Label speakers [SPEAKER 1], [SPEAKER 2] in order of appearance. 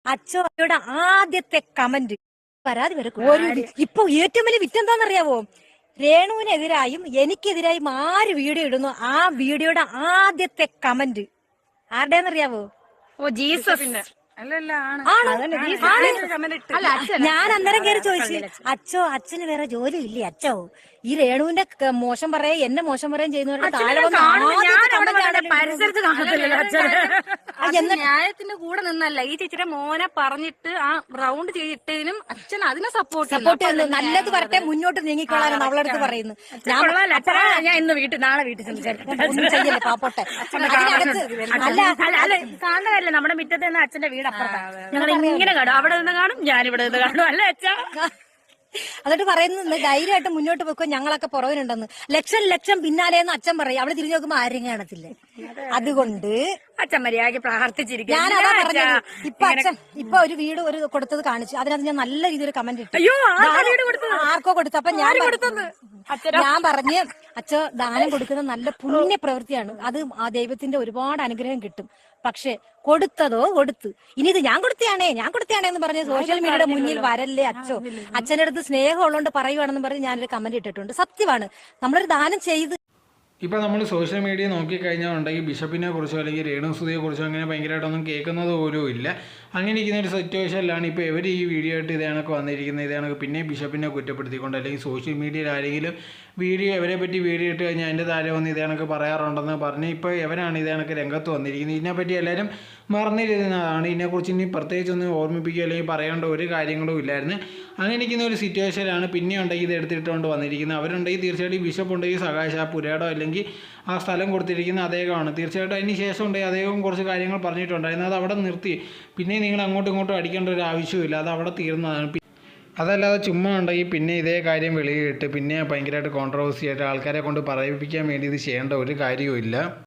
[SPEAKER 1] അച്ചോയുടെ ആദ്യത്തെ കമന്റ് പരാതി വരെ ഇപ്പൊ ഏറ്റവും വലിയ വിറ്റെന്താന്നറിയാവോ? രേണുവിനെതിരായും എനിക്കെതിരായും ആര് വീഡിയോ ഇടുന്നു ആ വീഡിയോയുടെ ആദ്യത്തെ കമന്റ് ആരുടെയെന്നറിയാവോ?
[SPEAKER 2] Oh Jesus.
[SPEAKER 1] ഞാൻ അന്നേരം കയറി ചോദിച്ചു, അച്ഛന് വേറെ ജോലി ഇല്ലേ അച്ഛോ? ഈ രേണുവിന്റെ മോശം പറയാ എന്നെ മോശം പറയാൻ ചെയ്യുന്നവരുടെ
[SPEAKER 2] ന്യായത്തിന്റെ കൂടെ നിന്നല്ല ഈ ചേച്ചിയുടെ മോനെ പറഞ്ഞിട്ട് ആ റൗണ്ട് ചെയ്തിട്ടതിനും അച്ഛൻ അതിനെ സപ്പോർട്ട്
[SPEAKER 1] ചെയ്യുന്നു. നല്ലത് വരട്ടെ, മുന്നോട്ട് നീങ്ങിക്കൊള്ളാനാണ് അവളടുത്ത് പറയുന്നത്.
[SPEAKER 2] ഞാൻ ഇന്ന് നാളെ വീട്ടിൽ
[SPEAKER 1] ഒന്നും ചെയ്യല്ലേ പാപ്പോട്ടെ.
[SPEAKER 2] കാണുന്നതല്ലേ നമ്മുടെ മുറ്റത്ത് നിന്ന് അച്ഛന്റെ വീട് അപ്പുറത്താണ്. ഞങ്ങൾ ഇങ്ങനെ കാണും, അവിടെ നിന്ന് കാണും, ഞാനിവിടെ നിന്ന് കാണും. അല്ലേ അച്ഛാ?
[SPEAKER 1] എന്നിട്ട് പറയുന്നത് ധൈര്യമായിട്ട് മുന്നോട്ട് വെക്കോ, ഞങ്ങളൊക്കെ പുറകിലുണ്ടെന്ന്. ലക്ഷം പിന്നാലെയെന്ന് അച്ഛൻ പറയും. അവിടെ തിരിഞ്ഞു നോക്കുമ്പോ ആരും കാണത്തില്ലേ. അതുകൊണ്ട്
[SPEAKER 2] അച്ഛൻ മര്യാദയ്ക്ക് പ്രാർത്ഥിച്ചിരിക്കും.
[SPEAKER 1] ഞാനതാ പറഞ്ഞത്. ഇപ്പൊ ഒരു വീട് കൊടുത്തത് കാണിച്ചു. അതിനകത്ത് ഞാൻ നല്ല രീതിയിൽ കമന്റ് ഇട്ടു. ആർക്കോ കൊടുത്തു. അപ്പൊ ഞാൻ പറഞ്ഞ് അച്ഛ ദാനം കൊടുക്കുന്നത് നല്ല പുണ്യ പ്രവൃത്തിയാണ്. അത് ആ ദൈവത്തിന്റെ ഒരുപാട് അനുഗ്രഹം കിട്ടും. പക്ഷെ കൊടുത്തതോ കൊടുത്തു. ഇനി ഇത് ഞാൻ കൊടുത്തയാണേ എന്ന് പറഞ്ഞ് സോഷ്യൽ മീഡിയയുടെ മുന്നിൽ വരല്ലേ അച്ഛോ. അച്ഛൻ്റെ അടുത്ത് സ്നേഹം ഉള്ളതുകൊണ്ട് പറയുവാണെന്ന് പറഞ്ഞ് ഞാനൊരു കമന്റ് ഇട്ടിട്ടുണ്ട്. സത്യമാണ്, നമ്മളൊരു ദാനം ചെയ്ത്.
[SPEAKER 3] ഇപ്പോൾ നമ്മൾ സോഷ്യൽ മീഡിയ നോക്കിക്കഴിഞ്ഞാൽ ഉണ്ടെങ്കിൽ ബിഷപ്പിനെ കുറിച്ചോ അല്ലെങ്കിൽ രേണുസുതിയെ കുറിച്ചോ അങ്ങനെ ഭയങ്കരമായിട്ടൊന്നും കേൾക്കുന്നത് പോലും ഇല്ല. അങ്ങനെ ഇരിക്കുന്ന ഒരു സിറ്റുവേഷനിലാണ് ഇപ്പോൾ ഇവർ ഈ വീഡിയോ ആയിട്ട് ഇതേണൊക്കെ വന്നിരിക്കുന്നത്. ഇതേണൊക്കെ പിന്നെ ബിഷപ്പിനെ കുറ്റപ്പെടുത്തിക്കൊണ്ട് അല്ലെങ്കിൽ സോഷ്യൽ മീഡിയയിൽ ആരെങ്കിലും ഇവരെ പറ്റി വീഡിയോ ഇട്ട് കഴിഞ്ഞാൽ അതിൻ്റെ താഴെ വന്ന് ഇതേണൊക്കെ പറയാറുണ്ടെന്ന് പറഞ്ഞ് ഇപ്പോൾ ഇവരാണ് ഇതേണൊക്കെ രംഗത്ത് വന്നിരിക്കുന്നത്. ഇതിനെപ്പറ്റി എല്ലാവരും മറന്നിരുന്നതാണ്. ഇതിനെക്കുറിച്ച് ഇനി പ്രത്യേകിച്ചൊന്നും ഓർമ്മിപ്പിക്കുക അല്ലെങ്കിൽ പറയേണ്ട ഒരു കാര്യങ്ങളും ഇല്ലായിരുന്നു. അങ്ങനെ ഇരിക്കുന്ന ഒരു സിറ്റുവേഷനിലാണ് പിന്നെ ഉണ്ടെങ്കിൽ ഇത് എടുത്തിട്ടുകൊണ്ട് വന്നിരിക്കുന്നത്. അവരുണ്ടെങ്കിൽ തീർച്ചയായിട്ടും ബിഷപ്പ് ഉണ്ടെങ്കിൽ സകാശ ആ പുരേടോ അല്ലെങ്കിൽ ആ സ്ഥലം കൊടുത്തിരിക്കുന്ന അദ്ദേഹമാണ്. തീർച്ചയായിട്ടും അതിന് ശേഷം ഉണ്ടെങ്കിൽ അദ്ദേഹം കുറച്ച് കാര്യങ്ങൾ പറഞ്ഞിട്ടുണ്ടായിരുന്നു. അത് അവിടെ നിർത്തി. പിന്നെ നിങ്ങൾ അങ്ങോട്ടും ഇങ്ങോട്ടും അടിക്കേണ്ട ഒരു ആവശ്യമില്ല, അത് അവിടെ തീർന്നതാണ്. അതല്ലാതെ ചുമ്മാ ഉണ്ടെങ്കിൽ പിന്നെ ഇതേ കാര്യം വെളിയിട്ട് പിന്നെ ഭയങ്കരമായിട്ട് കോൺട്രവേഴ്സി ആയിട്ട് ആൾക്കാരെ കൊണ്ട് പറയിപ്പിക്കാൻ വേണ്ടി ഇത് ചെയ്യേണ്ട ഒരു കാര്യവും ഇല്ല.